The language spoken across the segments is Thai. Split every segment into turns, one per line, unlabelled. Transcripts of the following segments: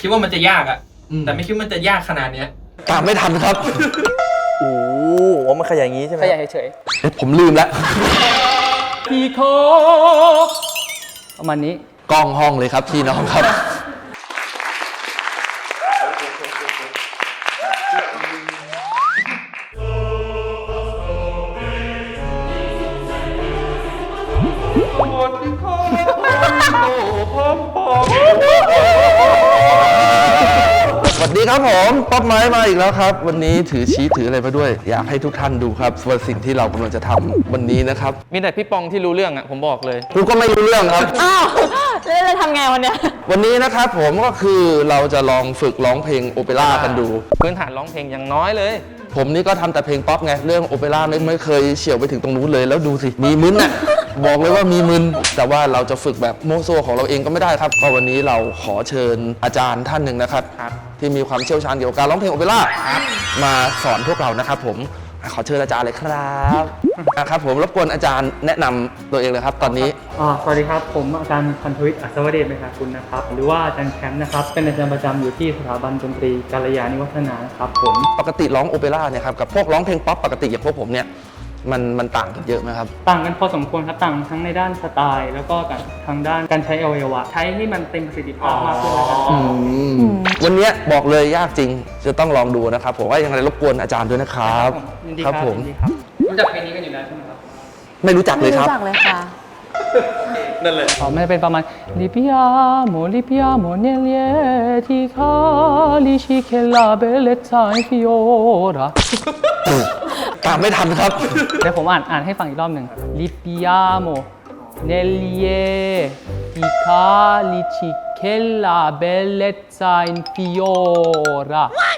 คิดว่ามันจะยากอะแต่ไม่คิดว่ามันจะยากขนาดเนี้ย
ตามไม่ทันครับ
โอ้โหมันขยายอย่างนี้ใช่ไหม
ขยายเฉย
ผมลืมแล้ว
ๆพี่โคประมาณนี้
กล้องห้องเลยครับพี่น้องครับ สวัสดีครับผมป๊อปไม้มาอีกแล้วครับ วันนี้ถือชี้ถืออะไรมาด้วย อยากให้ทุกท่านดูครับว่าสิ่งที่เรากำลังจะทำวันนี้นะครับ
มีแต่พี่ปองที่รู้เรื่องอ่ะผมบอกเลย
กูก็ไม่รู้เรื่องครับ
อ้าวแล้วจะทำไงวันเนี้ย
วันนี้นะครับผมก็คือเราจะลองฝึกร้องเพลงโอเปร่ากันดู
พื้นฐานร้องเพลงอย่างน้อยเลย
ผมนี่ก็ทำแต่เพลงป๊อปไง เรื่องโอเปร่าไม่เคยเฉี่ยวไปถึงตรงนู้นเลยแล้วดูสิ มีมึนน่ะ บอกเลยว่ามีมึน แต่ว่าเราจะฝึกแบบโมโซของเราเองก็ไม่ได้ครับ ก็วันนี้เราขอเชิญอาจารย์ท่านหนึ่งนะครับ ที่มีความเชี่ยวชาญเกี่ยวกับการร้องเพลงโอเปร่ามาสอนพวกเรานะครับผมขอเชิญอาจารย์เลยครับนะครับผมรบกวนอาจารย์แนะนำตัวเองเลยครับตอนนี้
สวัสดีครับผมอาจารย์พันธวิทย์อัศวเดชเมธากุลนะครับหรือว่าอาจารย์แคมป์นะครับเป็นอาจารย์ประจำอยู่ที่สถาบันดนตรีกาลยาณิวัฒนาครับผม
ปกติร้องโอเปร่าเนี่ยครับกับพวกร้องเพลงป๊อปปกติอย่างพวกผมเนี่ยมันต่างกันเยอะไหมครับ
ต่างกันพอสมควรครับต่างทั้งในด้านสไตล์ แล้วก็ทางด้านการใช้อวัยวะใช้ให้มันเต็มประสิทธิภาพมากขึ้นแล้วกัน
วันนี้บอกเลยยากจริงจะต้องลองดูนะครับผมว่ายังไงรบกวนอาจารย์ด้วยนะครับ
ยินดี
ครับผม
ยินดีครับ
รู้จักเพลงนี้กันอยู่แล้วใช่ไหมครับ
ไม่รู้จักเล
ไม่
ยค
รู้
รับ
จักเลยค่ะ
นั่นแหละ
มันจะเป็นประมาณลิปิอาโมเนเลียที่คาลิชิเคลาเบเลตไซฟิโอระ
ตามไม่ทันครับ
เดี๋ยวผมอ่านให้ฟังอีกรอบหนึ่งลิปิอาโมเนเลียที่คาลิชิเคลาเบเลตไซฟิโอระ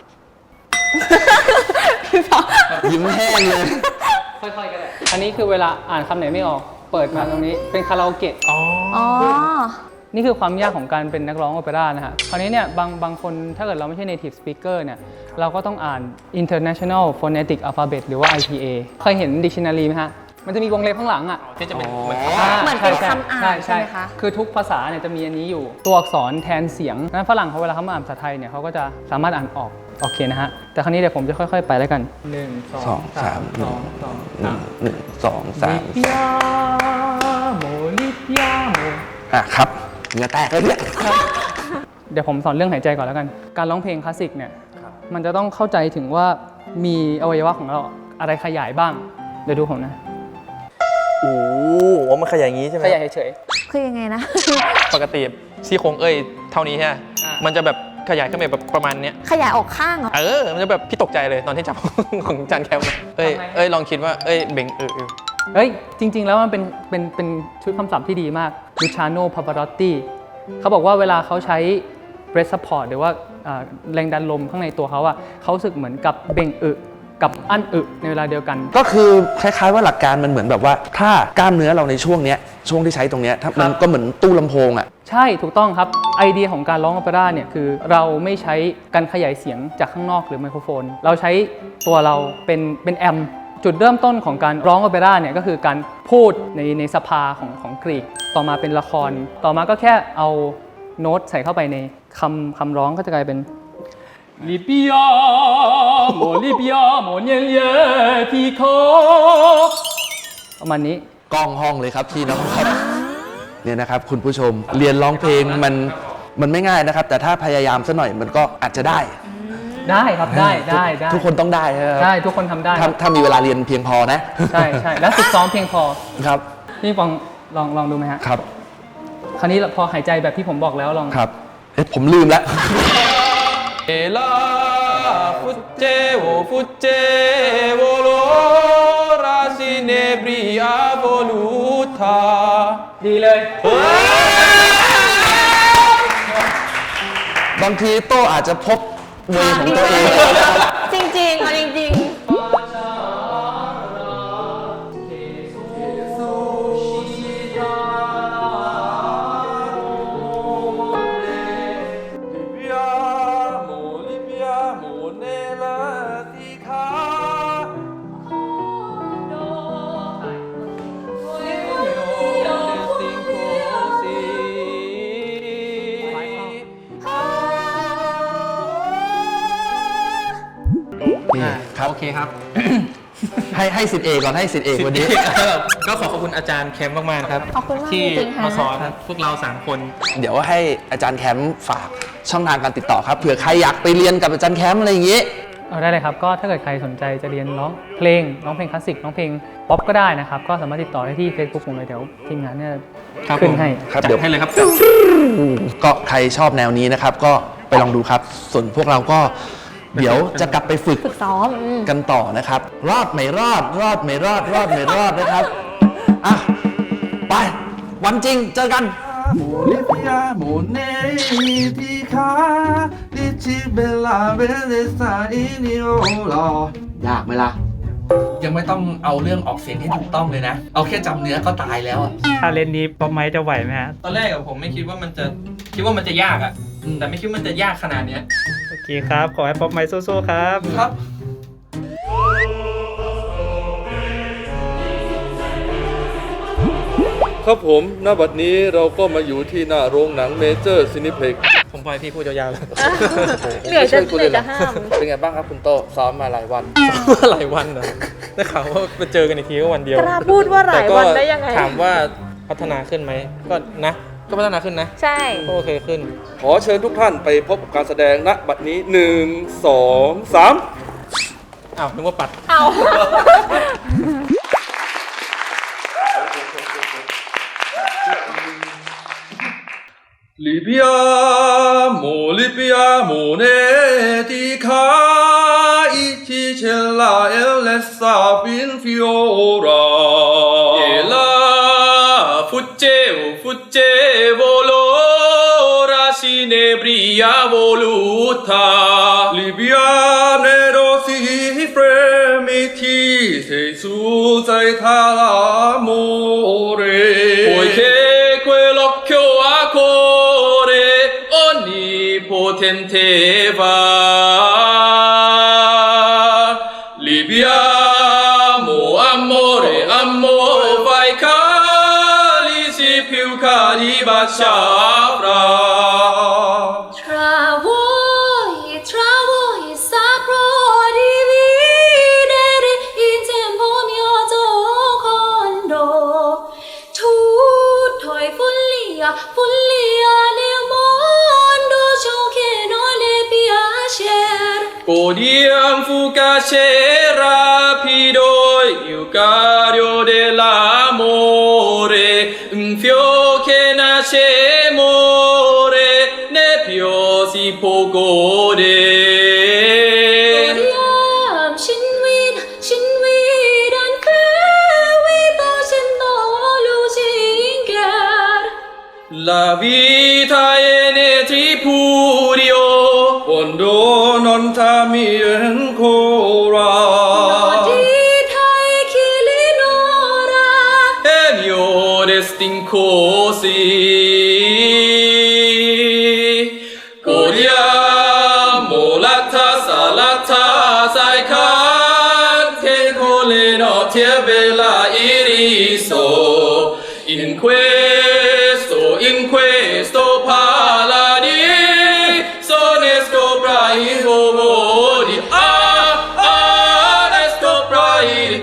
ยิ้มแห้งเลย
ค่อยๆกันเลยอันนี้คือเวลาอ่านคำไหนไม่ออกเปิดมาตรงนี้เป็นคาราโอเกะ
อ๋อ
นี่คือความยากของการเป็นนักร้องโอเปร่านะฮะ คราวนี้เนี่ยบางคนถ้าเกิดเราไม่ใช่ native speaker เนี่ยเราก็ต้องอ่าน international phonetic alphabet หรือว่า IPA เคยเห็น dictionary ไหมฮะ มันจะมีวงเล็บข้างหลังอ่ะ
ที่จะเป็นเหมือน
เหมือนเป็นคำอ่านใช่ไหมคะ
คือทุกภาษาเนี่ยจะมีอันนี้อยู่ ตัวอักษรแทนเสียงนั้นฝรั่งเขาเวลาเขามาอ่านภาษาไทยเนี่ยเขาก็จะสามารถอ่านออกโอเคนะฮะ แต่คราวนี้เดี๋ยวผมจะค่อยๆไปแล้วกัน 1 2 3 2 2 3
1 2 3
ลิปิอาโมลิปิอาโม
ครับเหงื่อแตกเลยเนี่ย
เดี๋ยวผมสอนเรื่องหายใจก่อนแล้วกัน การร้องเพลงคลาสสิกเนี่ยมันจะต้องเข้าใจถึงว่ามีอวัยวะของเราอะไรขยายบ้าง เดี๋ยวดูผมนะ
โอ้โหมันขยายอย่างนี้ใช่ไหม
ขยายเฉย
คือยังไงนะ
ปกติซี่โครงเอ้ยเท่านี้ใช่ไหม
อ่ามั
มันจะแบบขยายขึ้นไปแบบประมาณเนี้ย
ขยายออกข้างเหรอ
มันจะแบบพี่ตกใจเลยตอนที่จับ ของจานแคมป์เอ้ยลองคิดว่าเอ้ยเบ่ง
เฮ้ย จริง ๆ แล้วมันเป็นชุดคำศัพท์ที่ดีมาก Luciano Pavarotti เขาบอกว่าเวลาเขาใช้ breath support หรือว่าแรงดันลมข้างในตัวเขาอะเขารู้สึกเหมือนกับเบ่งอึกับอั้นอึในเวลาเดียวกัน
ก็คือคล้ายๆว่าหลักการมันเหมือนแบบว่า ถ้ากล้ามเนื้อเราในช่วงเนี้ยช่วงที่ใช้ตรงเนี้ยถ้ามันก็เหมือนตู้ลำโพงอ่ะ
ใช่ถูกต้องครับ ไอเดียของการร้องโอเปร่าเนี่ยคือเราไม่ใช้การขยายเสียงจากข้างนอกหรือไมโครโฟน เราใช้ตัวเราเป็นแอมป์จุดเริ่มต้นของการร้องโอเปร่าเนี่ยก็คือการพูดในสภาของกรีก ต่อมาเป็นละคร ต่อมาก็แค่เอาโน้ตใส่เข้าไปในคำร้องก็จะกลายเป็นลิปิอาโมเนเลียที่โคประมาณนี้
กล้องห้องเลยครับพี่น้องครับเนี่ยนะครับคุณผู้ชมเรียนร้องเพลงมันไม่ง่ายนะครับ แต่ถ้าพยายามสักหน่อยมันก็อาจจะได้
ได้ครับได้
ทุกคนต้องได้ใช่ไหมครับ
ได้ทุกคนทำได้
ถ้ามีเวลาเรียนเพียงพอนะ
ใช่แล้วฝึกซ้อมเพียงพอ
ครับ
พี่ปองลองดูไหมฮะ
ครับ
คราวนี้พอหายใจแบบที่ผมบอกแล้วลอง
ครับผมลืมแล้ว
เอลาฟุเจโวโลราซิเนบริอาโวลูทา
ดีเลย
บางทีโต้อาจจะพบเวย์ของตัวเอง
จริงๆเอาจริงๆ
Lipiamo,
ครับ
โอเคครับ
ให้สิทธิ์เอกก่อนให้สิทธิ์เอกวันนี้
ก็ขอบคุณอาจารย์แคมป์มากๆครับ
ขอบคุณมาก
ที่
จริงๆค่ะ
มาสอนพวกเรา3คน
เดี๋ยวให้อาจารย์แคมป์ฝากช่องทางการติดต่อครับเผื่อใครอยากไปเรียนกับอาจารย์แคมป์อะไรอย่างงี้
เอาได้เลยครับ ก็ถ้าเกิดใครสนใจจะเรียนร้องเพลงคลาสสิกร้องเพลงป๊อปก็ได้นะครับ ก็สามารถติดต่อได้ที่ Facebook ผมเลยเดี๋ยวทีมงานเนี่ย
ครับ
ขึ้น
ผม
ให้
ครับ
จัด
เดี๋ยว
ให้เลยครับ
ก็ใครชอบแนวนี้นะครับ ก็ไปลองดูครับ ส่วนพวกเราก็เดี๋ยวจะกลับไปฝึก
ฝึกซ้อม
กันต่อนะครับ รอดไม่รอด รอดไม่รอด รอดไม่รอดนะครับอ่ะไป วันจริงเจอกัน
Bolivia, Monetica, Licibella, Bellezza, Iniola.
ยากไหมล่ะ
ยังไม่ต้องเอาเรื่องออกเสียงให้ถูกต้องเลยนะ เอาแค่จำเนื้อก็ตายแล้วอะ
ถ้าเล่นนี้ป๊อปไม้จะไหวไหมฮะ
ตอนแรกอะผมไม่คิดว่ามันจะยากอะแต่ไม่คิดว่ามันจะยากขนาดเนี้ย
โอเคครับ ขอให้ป๊อปไม้สู้ๆครับ
ครับ
ครับผมณบัดนี้เราก็มาอยู่ที่หน้าโรงหนังเมเจอร์ซินิเพล็ก
ผมปล่อยพี่พูดยาวๆเลย
เหนื่อยจะห้าม
เป็นไงบ้างครับคุณโตซ้อมมาหลายวัน
หลายวันนะได้ข่าวว่าไปเจอกันอีกทีก็วันเดียว
กล้าพูดว่าหลายวันได้ยังไง
ถามว่าพัฒนาขึ้นไหมก็นะ ก็พัฒนาขึ้นนะ
ใช่
ก็โอเคขึ้น
ขอเชิญทุกท่านไปพบกับการแสดงณบัดนี้ 1 2 3
อ้าวนึกว่าปัด
เอา
Libiamo, libiamo, netica, Iticella, Elessa, Pinfiora.
E la fuggevo l'ora sinebria voluta.
Libiane rosi fremiti, sei su, sei l'amore.
Poiché quell'occhio a cuore onnipotente va. Libiamo, amore, amore, fai calici più cari baciarà.
Tra voi saprò dividere in tempo mio secondo. Tutto è follia, follia nel mondo, ciò che non le piace.
Godiam fugace rapido il cario dell'amore, un fiore che nasce e muore, ne più si può godere.
Godiam shinwid and fairy facendo lusingar.
La vita è nel tripudio,
quando non t'ami ancora.
Dite chi l'ignora.
è mio destin così. Godiamo la tassa ai che con le notti è bella iriso. In questo paradiso ne scopra i rumori. Ne scopra i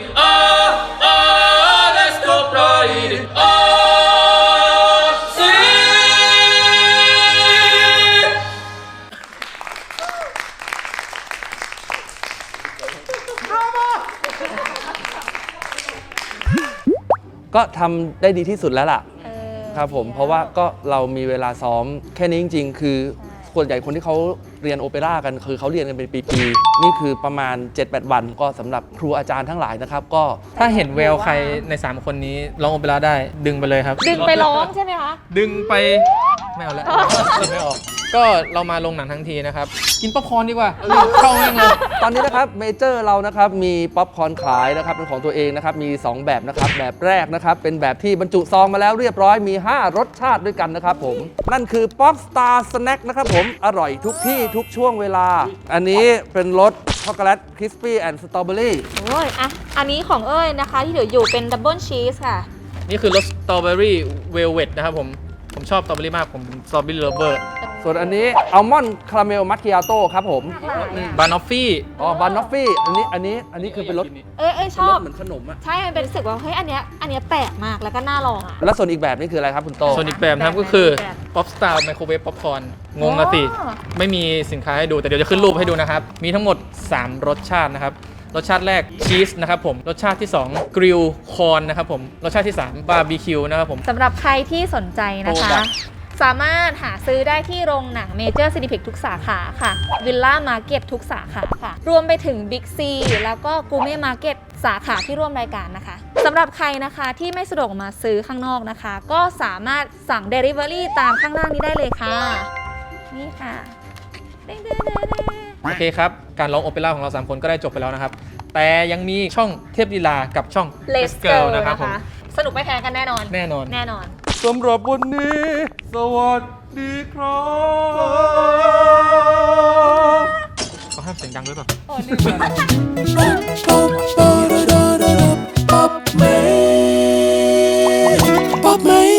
ne scopra i sì.
ก็ทำได้ดีที่สุดแล้วล่ะครับผมเพราะว่าก็เรามีเวลาซ้อมแค่นี้จริงๆ คือส่วนใหญ่คนที่เขาเรียนโอเปร่ากันคือเขาเรียนกันเป็นปีๆนี่คือประมาณ 7-8 วันก็สำหรับครูอาจารย์ทั้งหลายนะครับก็
ถ้าเห็นแววใครใน 3 คนนี้ร้องโอเปร่าได้ดึงไปเลยครับ
ดึงไปร้องใช่ไหมคะ
ดึงไปไม่เอาแล้วไม่ออก ก็เรามาลงหนังทั้งทีนะครับ กินป๊อปคอร์นดีกว่าเข้าแม่งเลย
ตอนนี้นะครับเมเจอร์เรานะครับมีป๊อปคอร์นขายนะครับเป็นของตัวเองนะครับมี 2 แบบนะครับแบบแรกนะครับเป็นแบบที่บรรจุซองมาแล้วเรียบร้อยมี 5 รสชาติด้วยกันนะครับผมนั่นคือป๊อปสตาร์สแน็คนะครับผมอร่อยทุกที่ทุกช่วงเวลา อันนี้เป็นรสช็อกโกแลตคริสปี้แอนด์สตรอเบอรี่
โอ้ยอ่ะอันนี้ของเอ้ยนะคะ ที่เหลืออยู่เป็นดับเบิลชีสค่ะ
นี่คือรสสตรอเบอรี่เวลเวทนะครับผมชอบสตรอเบอรี่มากผมสตรอเบอรี่เลเวอร์
ส่วนอันนี้อัลมอนด์คาราเมลมัคคิอาโต้ครับผม
บานอฟฟี่
อ๋อบานอฟฟี่อันนี้คือเป็นรส
เอ้ยชอบ
เหมือนขนมอะ
ใช่ มันเป็นรู้สึกว่าเฮ้ยอันเนี้ยแปลกมากแล้วก็น่าลองอ่ะ
แล้วส่วนอีกแบบนี่คืออะไรครับคุณโต
ส่วนอีกแบบนะครับก็คือป๊อปสตาร์ไมโครเวฟป๊อปคอร์นงงอะสิ
อ๋อ
ไม่มีสินค้าให้ดูแต่เดี๋ยวจะขึ้นรูปให้ดูนะครับ มีทั้งหมด 3 รสชาตินะครับ รสชาติแรกชีสนะครับผม รสชาติที่2กริลคอร์นนะครับผม รสชาติที่3บาร์บีคิวนะครับผม
สำหรับใครที่สนใจนะคะ สามารถหาซื้อได้ที่โรงหนังเมเจอร์ซินิเพ็กทุกสาขาค่ะวิลล่ามาร์เก็ตทุกสาขาค่ะ รวมไปถึงบิ๊กซีแล้วก็กูเม่มาร์เก็ตสาขาที่ร่วมรายการนะคะสำหรับใครนะคะที่ไม่สะดวกมาซื้อข้างนอกนะคะ ก็สามารถสั่ง Delivery ตามข้างล่างนี้ได้เลยค่ะ นี่ค่ะเด้งๆ
โอเคครับ การร้องโอเปร่าของเรา 3 คนก็ได้จบไปแล้วนะครับ แต่ยังมีช่องเทพลีลากับช่อง
ๆ Let's Go
นะครับผม
สนุกไม่แพ้กันแน่นอน
แน่นอน
แน่นอน
สำหรับวันนี้ สวัสดีครับ
เขาห้ามเสียงดังด้วยเปล่า
Pop, mate.